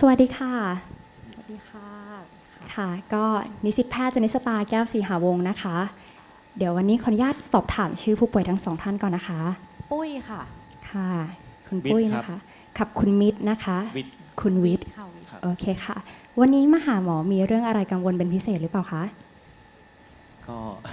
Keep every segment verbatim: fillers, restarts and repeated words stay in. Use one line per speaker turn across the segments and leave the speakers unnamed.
วัสดีค่ะ
สวัสดีค่ะ
ค่ะก็นิสิตแพทย์จนิสตาแก้วศรีหาวงศ์นะคะเดี๋ยววันนี้ขออนุญาตสอบถามชื่อผู้ป่วยทั้งสองท่านก่อนนะคะ
ปุ้ยค่ะ
ค่ะคุณปุ้ยนะคะกับคุณมิตรนะคะ
วิทย์
คุณวิทย์
ค่ะวิทย์
โอเคค่ะวันนี้มาหาหมอมีเรื่องอะไรกังวลเป็นพิเศษหรือเปล่าคะ
ก็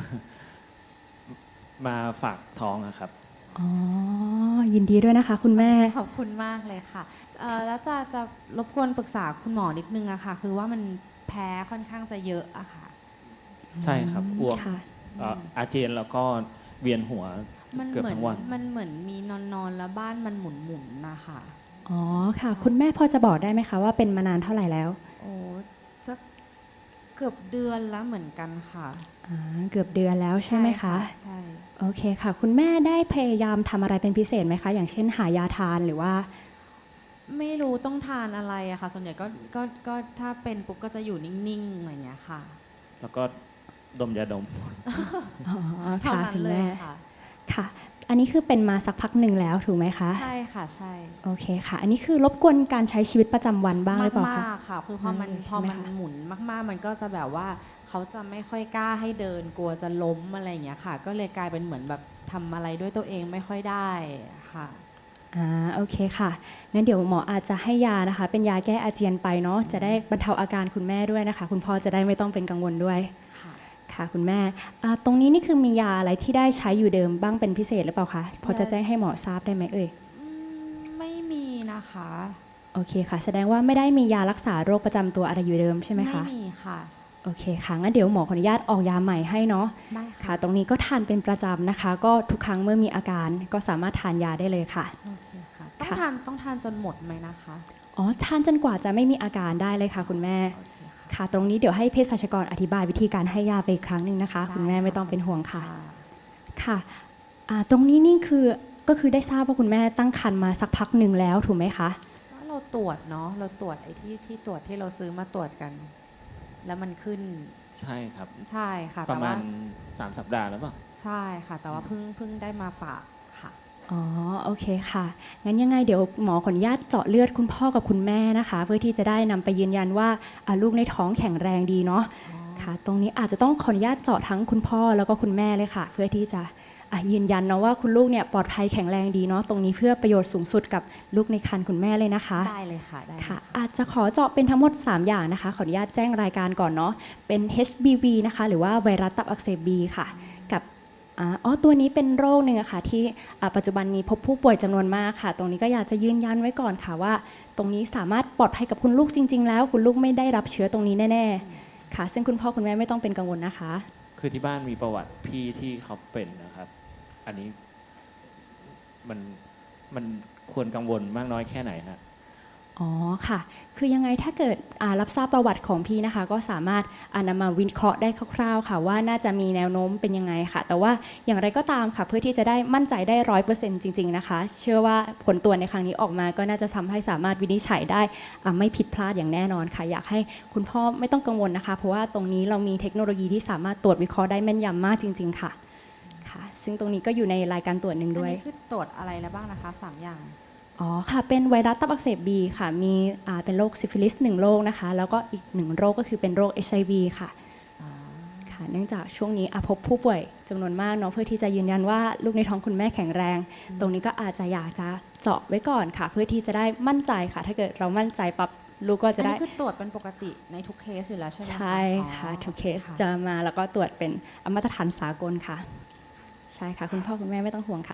มาฝากท้องอะครับ
อ๋อยินดีด้วยนะคะคุณแม่
ขอบคุณมากเลยค่ะเอ่อแล้วจะจะรบกวนปรึกษาคุณหมอนิดนึงอะค่ะคือว่ามันแพ้ค่อนข้างจะเยอะอะค่ะ
ใช่ครับอ้วก
ค่ะ
เอ่ออาเจียนแล้วก็เวียนหัว
มัน
เกือบ
เหมือน
ทั้งวัน
มันเหมือนมีนอนนอนแล้วบ้านมันหมุนหมุนนะคะ
อ๋อค่ะคุณแม่พอจะบอกได้ไหมคะว่าเป็นมานานเท่าไหร่แล้ว
โอ้จะเกือบเดือนแล้วเหมือนกันค่ะ
อ่าเกือบเดือนแล้วใช่ไหมคะ
ใช่
โอเคค่ะคุณแม่ได้พยายามทำอะไรเป็นพิเศษไหมคะอย่างเช่นหายาทานหรือว่า
ไม่รู้ต้องทานอะไรอะค่ะส่วนใหญ่ก็ก็ก็ถ้าเป็นปุ๊บก็จะอยู่นิ่งๆอะไรอย่างเงี้ยค่ะ
แล้วก็ดมยาดม
อ๋อ
เท่า
ค่ะ
นั้น
คุณ
เลย
แม่
ค่ะ
ค่ะอันนี้คือเป็นมาสักพักหนึ่งแล้วถูกไหมคะ
ใช่ค่ะใช่
โอเคค่ะอันนี้คือรบกวนการใช้ชีวิตประจำวันบ้างหรือเปล่าคะ
มากๆค่ะคือพอมัน
อืม
พอมัน
ใช่ไหมคะ
หมุนมากๆ มันก็จะแบบว่าเขาจะไม่ค่อยกล้าให้เดินกลัวจะล้มอะไรอย่างเงี้ยค่ะ ก็เลยกลายเป็นเหมือนแบบทำอะไรด้วยตัวเองไม่ค่อยได้ค่ะ
อ่าโอเคค่ะงั้นเดี๋ยวหมออาจจะให้ยานะคะ เป็นยาแก้อาเจียนไปเนาะจะได้บรรเทาอาการคุณแม่ด้วยนะคะ คุณพ่อจะได้ไม่ต้องเป็นกังวลด้วย
ค่ะ
ค่ะคุณแม่อ่าตรงนี้นี่คือมียาอะไรที่ได้ใช้อยู่เดิมบ้างเป็นพิเศษหรือเปล่าคะพอจะแจ้งให้หมอทราบได้ไหมเอ่ย
อืมไม่มีนะคะ
โอเคค่ะแสดงว่าไม่ได้มียารักษาโรคประจำตัวอะไรอยู่เดิมใช่ไหมคะ
ไม่มีค่ะ
โอเคค่ะงั้นเดี๋ยวหมอขออนุญาตออกยาใหม่ให้เนาะ
ได้
ค่ะ
ค่ะ
ตรงนี้ก็ทานเป็นประจำนะคะ ก็ทุกครั้งเมื่อมีอาการก็สามารถทานยาได้เลยค่ะ
โอเคค่ะต้อง
ค่ะ
ทานต้องทานจนหมดไหมนะคะ
อ๋อทานจนกว่าจะไม่มีอาการได้เลยค่ะคุณแม่
โอเคค่ะ
ค่ะตรงนี้เดี๋ยวให้เภสัชกรอธิบายวิธีการให้ยาไปอีกครั้งหนึ่งนะคะ
ได้
คุณแม่ไม่
ค่ะ
ต้องเป็นห่วงค่ะ
ค่ะ
ค่ะอ่าตรงนี้นี่คือก็คือได้ทราบว่าคุณแม่ตั้งครรภ์มาสักพักหนึ่งแล้วถูกไหมคะ
ก็เราตรวจเนาะเราตรวจไอ้ที่ที่ตรวจที่เราซื้อมาตรวจกัน แล้วมันขึ้น
ใช่ครับ
ใช่ค่ะ
ป
แต่
ระมา
ว่า
ณสามสัปดาห์แล้วเปล่า
ใช่ค่ะ แต่ว่าเพิ่งเพิ่งได้มาฝากค่ะ
อ๋อโอเคค่ะงั้นยังไงเดี๋ยวหมอขออนุญาตเจาะเลือดคุณพ่อกับคุณแม่นะคะ เพื่อที่จะได้นำไปยืนยันว่าอ่าลูกในท้องแข็งแรงดีเนาะค่ะ ตรงนี้อาจจะต้องขออนุญาตเจาะทั้งคุณพ่อแล้วก็คุณแม่เลยค่ะ เพื่อที่จะอ่ะยืนยันเนาะว่าคุณลูกเนี่ยปลอดภัยแข็งแรงดีเนาะตรงนี้เพื่อประโยชน์สูงสุดกับลูกในครรภ์คุณแม่เลยนะคะ
ได้เลยค่ะได้เลย
ค่ะอาจจะขอเจาะเป็นทั้งหมดสามอย่างนะคะขออนุญาตแจ้งรายการก่อนเนาะเป็น เอช บี วี นะคะหรือว่าไวรัสตับอักเสบ บี ค่ะกับอาอ๋อตัวนี้เป็นโรคหนึ่งอะค่ะที่อ่าปัจจุบันนี้พบผู้ป่วยจำนวนมากค่ะ ตรงนี้ก็อยากจะยืนยันไว้ก่อนค่ะว่า ตรงนี้สามารถปลอดภัยกับคุณลูกจริง ๆ แล้วคุณลูกไม่ได้รับเชื้อตรงนี้แน่ๆค่ะ ซึ่งคุณพ่อคุณแม่ไม่ต้องเป็นกังวลนะคะ
คือที่บ้านมีประวัติพี่ที่เขาเป็นนะครับ อันนี้มันมันควรกังวลมากน้อยแค่ไหนฮะ
อ๋อค่ะ คือยังไงถ้าเกิดอ่ารับทราบประวัติของพี่นะคะ ก็สามารถอ่านำมาวิเคราะห์ได้คร่าวๆค่ะว่าน่าจะมีแนวโน้มเป็นยังไงค่ะ แต่ว่าอย่างไรก็ตามค่ะ เพื่อที่จะได้มั่นใจได้ร้อยเปอร์เซ็นต์จริงๆนะคะ เชื่อว่าผลตรวจในครั้งนี้ออกมาก็น่าจะทำให้สามารถวินิจฉัยได้อ่าไม่ผิดพลาดอย่างแน่นอนค่ะ อยากให้คุณพ่อไม่ต้องกังวลนะคะ เพราะว่าตรงนี้เรามีเทคโนโลยีที่สามารถตรวจวิเคราะห์ได้แม่นยำมากจริง ๆ ค่ะค่ะ ซึ่งตรงนี้ก็อยู่ในรายการตรวจหนึ่ง
อัน
ด้วย
นี้คือตรวจอะไรแล้วบ้างนะคะสามอย่าง
อ๋อค่ะเป็นไวรัสตับอักเสบบีค่ะมีอ่าเป็นโรคซิฟิลิสหนึ่งโรคนะคะแล้วก็อีกหนึ่งโรคก็คือเป็นโรค เอช ไอ วี ค่ะค่ะเนื่องจากช่วงนี้อ่ะพบผู้ป่วยจำนวนมากเนาะเพื่อที่จะยืนยันว่าลูกในท้องคุณแม่แข็งแรง ตรงนี้ก็อาจจะอยากจะเจาะไว้ก่อนค่ะ เพื่อที่จะได้มั่นใจค่ะ ถ้าเกิดเรามั่นใจปั๊บลูกก็
อั
จะ
น
ได้
นี้คือตรวจเป็นปกติในทุกเคสอยู่แล้วใช่ไหมคะ
ใช่ค่ะ
อ๋อ
ทุกเคส
ค่ะ
จะมาแล้วก็ตรวจเป็นมาตรฐานสากลค่ะ ใช่ค่ะ คุณพ่อคุณแม่ไม่ต้องห่วงค่ะ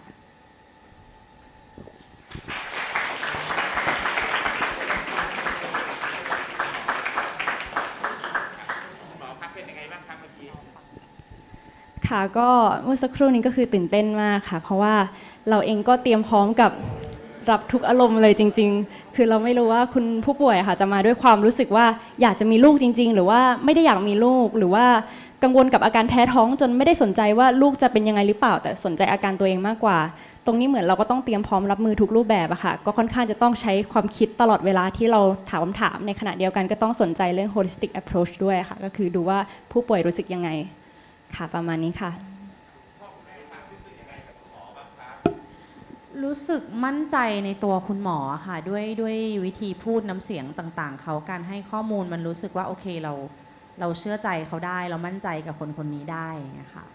หมอพักเป็นยังไงบ้างครับเมื่อกี้
ค่ะก็เมื่อสักครู่นี้ก็คือตื่นเต้นมากค่ะ เพราะว่าเราเองก็เตรียมพร้อมกับรับทุกอารมณ์เลยจริง ๆ คือเราไม่รู้ว่าคุณผู้ป่วยค่ะจะมาด้วยความรู้สึกว่าอยากจะมีลูกจริง ๆ หรือว่าไม่ได้อยากมีลูกหรือว่ากังวลกับอาการแพ้ท้องจนไม่ได้สนใจว่าลูกจะเป็นยังไงหรือเปล่า แต่สนใจอาการตัวเองมากกว่า ตรงนี้เหมือนเราก็ต้องเตรียมพร้อมรับมือทุกรูปแบบอะค่ะก็ค่อนข้างจะต้องใช้ความคิดตลอดเวลาที่เราถามคำถามในขณะเดียวกันก็ต้องสนใจเรื่อง holistic approach ด้วยค่ะก็คือดูว่าผู้ป่วยรู้สึกยังไงค่ะประมาณนี้ค่ะ
รรู้สึกมั่นใจในตัวคุณหมอค่ะด้วยด้วยวิธีพูดน้ำเสียงต่างๆเขาการให้ข้อมูลมันรู้สึกว่าโอเคเราเราเชื่อใจเขาได้เรามั่นใจกับคนคนนี้ได้อย่างเงี้ยค่ะ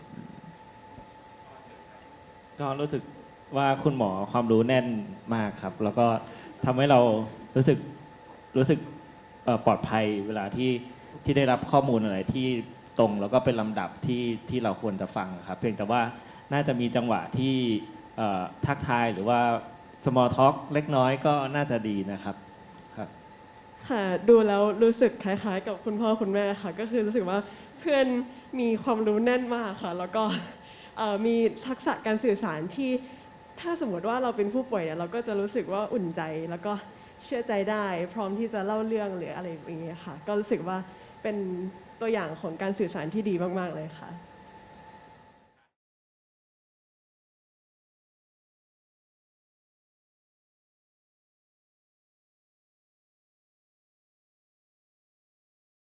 ก็รู้สึกว่าคุณหมอความรู้แน่นมากครับ แล้วก็ทำให้เรารู้สึกรู้สึกเอ่อปลอดภัยเวลาที่ที่ได้รับข้อมูลอะไรที่ตรงแล้วก็เป็นลำดับที่ที่เราควรจะฟังครับ เพียงแต่ว่าน่าจะมีจังหวะที่เอ่อทักทายหรือว่า small talk เล็กน้อยก็น่าจะดีนะครับครับ
ค่ะดูแล้วรู้สึกคล้ายๆ กับคุณพ่อคุณแม่ค่ะก็คือรู้สึกว่าเพื่อนมีความรู้แน่นมากค่ะแล้วก็เอ่อมีทักษะการสื่อสารที่ถ้าสมมติว่าเราเป็นผู้ป่วยเนี่ยเราก็จะรู้สึกว่าอุ่นใจแล้วก็เชื่อใจได้พร้อมที่จะเล่าเรื่องหรืออะไรอย่างเงี้ยค่ะก็รู้สึกว่าเป็นตัวอย่างของการสื่อสารที่ดีมากๆเลยค่ะ